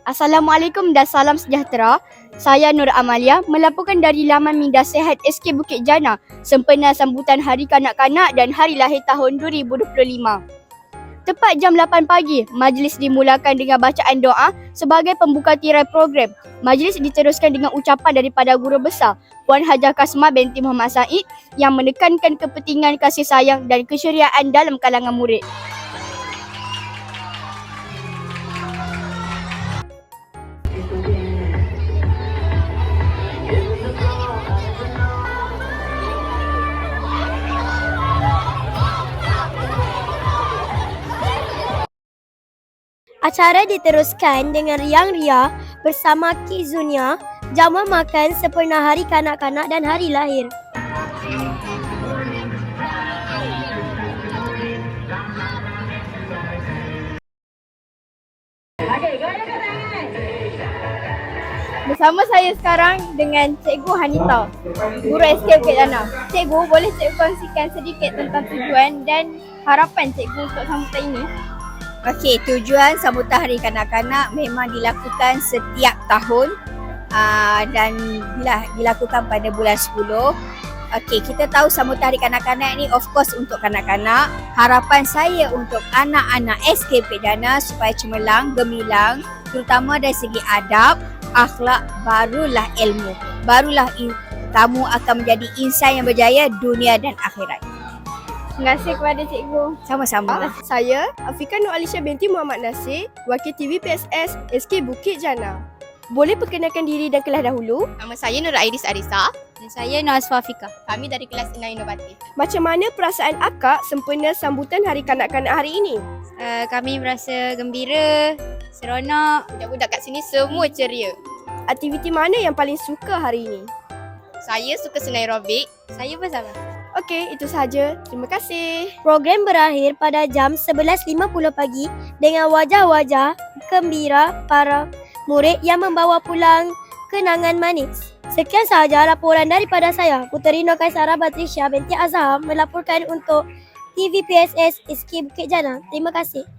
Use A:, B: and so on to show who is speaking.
A: Assalamualaikum dan salam sejahtera. Saya Nur Amalia melaporkan dari laman Minda Sehat SK Bukit Jana sempena sambutan Hari Kanak-Kanak dan Hari Lahir tahun 2025. Tepat jam 8 pagi, majlis dimulakan dengan bacaan doa sebagai pembuka tirai program. Majlis diteruskan dengan ucapan daripada Guru Besar Puan Hajah Kasmah binti Muhammad Said yang menekankan kepentingan kasih sayang dan kesyiriaan dalam kalangan murid.
B: Acara diteruskan dengan riang ria bersama Kizunia, jamuan makan sempena Hari Kanak-Kanak dan Hari Lahir.
A: Bersama saya sekarang dengan Cikgu Hanita, Guru SK Bukit Jana. Cikgu, boleh Cikgu kongsikan sedikit tentang tujuan dan harapan Cikgu untuk sambutan ini?
C: Okey, tujuan sambutan Hari Kanak-Kanak memang dilakukan setiap tahun dan dilakukan pada bulan 10. Okey, kita tahu sambutan Hari Kanak-Kanak ni of course untuk kanak-kanak. Harapan saya untuk anak-anak SK Bukit Jana supaya cemerlang, gemilang, terutama dari segi adab, akhlak, barulah ilmu. Barulah kamu akan menjadi insan yang berjaya dunia dan akhirat.
A: Terima kasih kepada Cikgu.
C: Sama-sama.
D: Saya Afika Nur Alisha binti Muhammad Nasir, Wakil TV PSS SK Bukit Jana. Boleh perkenalkan diri dan kelas dahulu?
E: Nama saya Nur Airis Arisa.
F: Dan saya Nur Asfafika.
E: Kami dari kelas 6 inovatif.
D: Macam mana perasaan akak sempena sambutan Hari Kanak-Kanak hari ini?
F: Kami merasa gembira, seronok.
E: Budak-budak kat sini semua ceria.
D: Aktiviti mana yang paling suka hari ini?
E: Saya suka senam aerobik.
F: Saya pun sama.
D: Okey, itu sahaja. Terima kasih.
B: Program berakhir pada jam 11.50 pagi dengan wajah-wajah gembira para murid yang membawa pulang kenangan manis. Sekian sahaja laporan daripada saya, Puteri Nur Kaisara Batrisya binti Azhar melaporkan untuk TV PSS SK Bukit Jana. Terima kasih.